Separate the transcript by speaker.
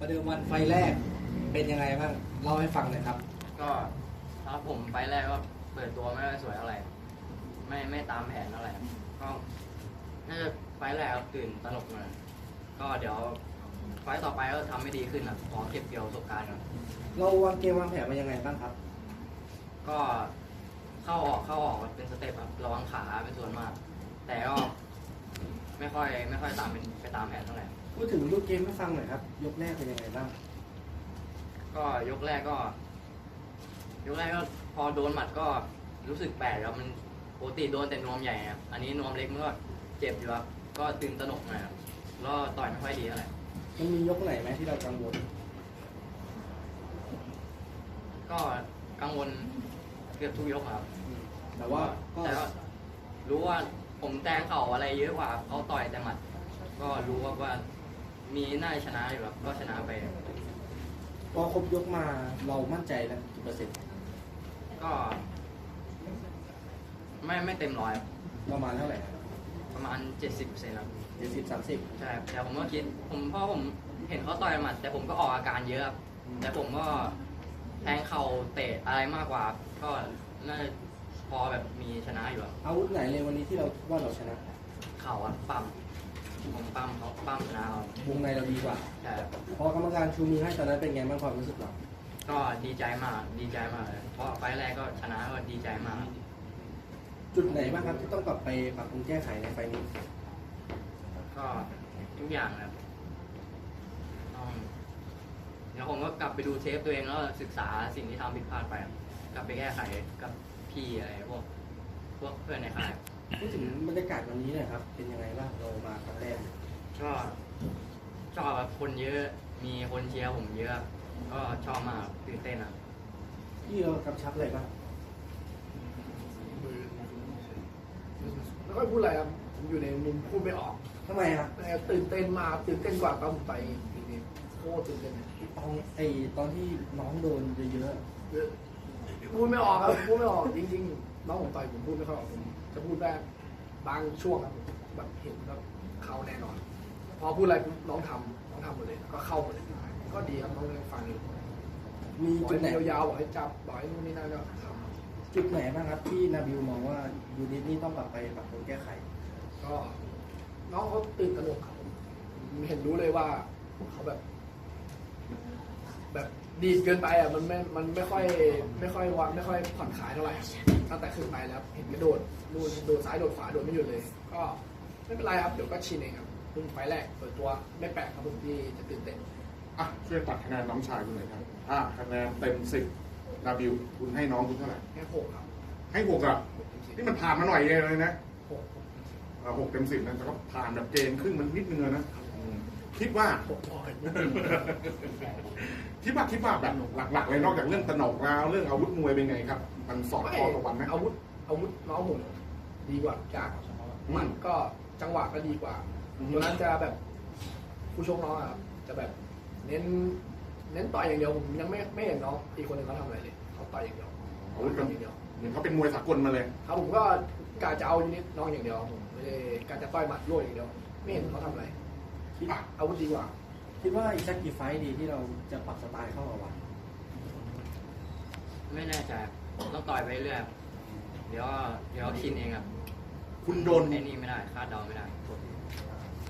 Speaker 1: ประเดิมวันไฟแรกเป็นยังไงบ้างเล่าให้ฟังหน่อยครับ
Speaker 2: ก็ถ้าผมไฟแรกก็เปิดตัวไม่ค่อยสวยเท่าไหร่ไม่ตามแผนเท่าไหร่ก็น่าจะไฟแรกตื่นตระหนกมาก็เดี๋ยวไฟต่อไปก็ทำไม่ดีขึ้นอ่ะขอเก็บเกี่ยวประสบการณ์ก่อน
Speaker 1: เราวางเกมวางแผนมายังไงบ้างครับ
Speaker 2: ก็เข้าออกเป็นสเต็ปครับระวังขาเป็นส่วนมาก แต่ก็ไม่ค่อยตามไปตามแผนเท่าไหร่
Speaker 1: พูดถึงรูปเกมให้ฟังหน่อยครับยกแรกเป็นยังไงบ้าง
Speaker 2: ก็ยกแรกก็พอโดนหมัดก็รู้สึกแปลกครับมันปกติโดนแต่นวมใหญ่ครับอันนี้นวมเล็กมันก็เจ็บอยู่ครับก็ตื่นตระหนกหน่อยครับแล้วต่อยไม่ค่อยดีเท่าไหร่
Speaker 1: มันมียกไหนไหมที่เรากังวล
Speaker 2: ก็กังวลเกือบทุกยกครับ
Speaker 1: แต่ว่า
Speaker 2: รู้ว่าผมแทงเข่าอะไรเยอะกว่าเขาต่อยแต่หมัดก็รู้ว่ามีน่าชนะอยู่ครับก็ชนะไป
Speaker 1: พอครบยกมาเรามั่นใจแล้วกี่เปอร์เซ็นต์
Speaker 2: ก็ไม่เต็มร้อย
Speaker 1: ประมาณเท่าไหร่
Speaker 2: ประมาณ 70%ครับ
Speaker 1: 70-30
Speaker 2: ใช่แต่ผมก็คิดเพราะผมเห็นเขาต่อยหมัดแต่ผมก็ออกอาการเยอะแต่ผมก็แทงเข่าเตะอะไรมากกว่าก็น่าจะพอแบบมีชนะอยู่
Speaker 1: อาวุธไหนเลยวันนี้ที่เราว่าเราชนะ
Speaker 2: เข่าปั๊มผมปั๊มเขาปั๊มชนะเรา
Speaker 1: วงในเราดีกว่า
Speaker 2: ใช่
Speaker 1: พอกรรมการชูมือให้ตอนนั้นเป็นไงบ้างความรู้สึกเรา
Speaker 2: ก็ดีใจมากเลยเพราะไฟแรกก็ชนะก็ดีใจมาก
Speaker 1: จุดไหนบ้างครับที่ต้องกลับไปปรับปรุงแก้ไขในไฟนี้
Speaker 2: ก็ทุกอย่างครับเดี๋ยวผมก็กลับไปดูเทปตัวเองแล้วศึกษาสิ่งที่ทำผิดพลาดไปกลับไปแก้ไขกับพี่อะไรพวกเพื่อนในค่าย
Speaker 1: พูดถึงบรรยากาศวันนี้หน่อยครับเป็นยังไงบ้างเรามาครั้งแรก
Speaker 2: ก็ชอบแบบคนเยอะมีคนเชียร์ผมเยอะก็ชอบมากตื่นเต้นอ่ะ
Speaker 1: พี่เรากำชับอะไรบ้าง
Speaker 3: ไม่ค่อยพูดอะไรครับผมอยู่ในมุมพูดไม่ออก
Speaker 1: ทำไมครับ
Speaker 3: ตื่นเต้นมาตื่นเต้นกว่าตอนผมไปนี่โคตรตื่นเต้น
Speaker 1: ตอนที่น้องโดนเยอะ
Speaker 3: พูดไม่ออกครับพูดไม่ออกจริงๆน้องผมต่อยผมพูดไม่ค่อยออกผมจะพูดได้บางช่วงครับแบบเห็นแบบเข้าแน่นอนพอพูดอะไรน้องทำหมดเลยก็เข้าหมดเลยก็ดีครับน้องฟังอยู่
Speaker 1: มีจุดไหน
Speaker 3: ยาวๆบอกให้จับบอกให้นู่นนี่นั่นก็ท
Speaker 1: ำจุดไหนบ้างครับที่นาบิวมองว่ายูนิตนี้ต้องกลับไปปรับปรุงแก้ไข
Speaker 3: ก็น้องเขาตื่นตระหนกครับเห็นรู้เลยว่าเขาแบบดีเกินไปอ่ะมันไม่ค่อยวัดไม่ค่อยผ่อนคลายเท่าไหร่ตั้งแต่ขึ้นไปแล้วเห็นกระโดดซ้ายโดดขวาโดดไม่หยุดเลยก็ไม่เป็นไรครับเดี๋ยวก็ชินเองครับเพิ่งไฟแรกเปิดตัวไม่แปลกครับผมที่จะตื่นเต้น
Speaker 4: ช่วยตัดคะแนนน้องชายคุณหน่อยครับคะแนนเต็ม10นาบิวคุณให้น้องคุณเท่าไหร่
Speaker 3: ให้6ครับ
Speaker 4: ให้6อ่ะนี่มันผ่านมาหน่อยเลยนะ6เต็ม10นะแต่ก็ผ่านแบบเกมครึ่งมันนิดนึงนะคิดว่าแบบหลักๆเลยนอกจากเรื่องตนกแล้วเรื่องอาวุธมวยเป็นไงครับมันสอบข้อต่อวันไหม
Speaker 3: อาวุธน้องผมดีกว่าจากมันก็จังหวะก็ดีกว่าตัวนั้นจะแบบผู้ชกน้องครับจะแบบเน้นต่อยอย่างเดียวผมยังไม่เห็นน้องอีกคนหนึ่งเขาทำอะไรเลยเขาต่อยอย่างเดียว
Speaker 4: อาวุธอย่างเดียวเหมือนเขาเป็นมวยสากลมาเลย
Speaker 3: ครับผมก็กะจะเอายูนิตน้องอย่างเดียวผมไม่ได้กะจะต่อยหมัดรั่วอย่างเดียวไม่เห็นเขาทำอะไรอาวุธดีกว่า
Speaker 1: คิดว่าอีกสักกี่ไฟต์ดีที่เราจะปรับสไตล์เข้ากับวัน
Speaker 2: ไม่แน่ใจต้องต่อยไปเรื่อยเดี๋ยวชินเองครับ
Speaker 4: คุณโดน
Speaker 2: ไอ้นี่ไม่ได้คาดเดาไม่ได้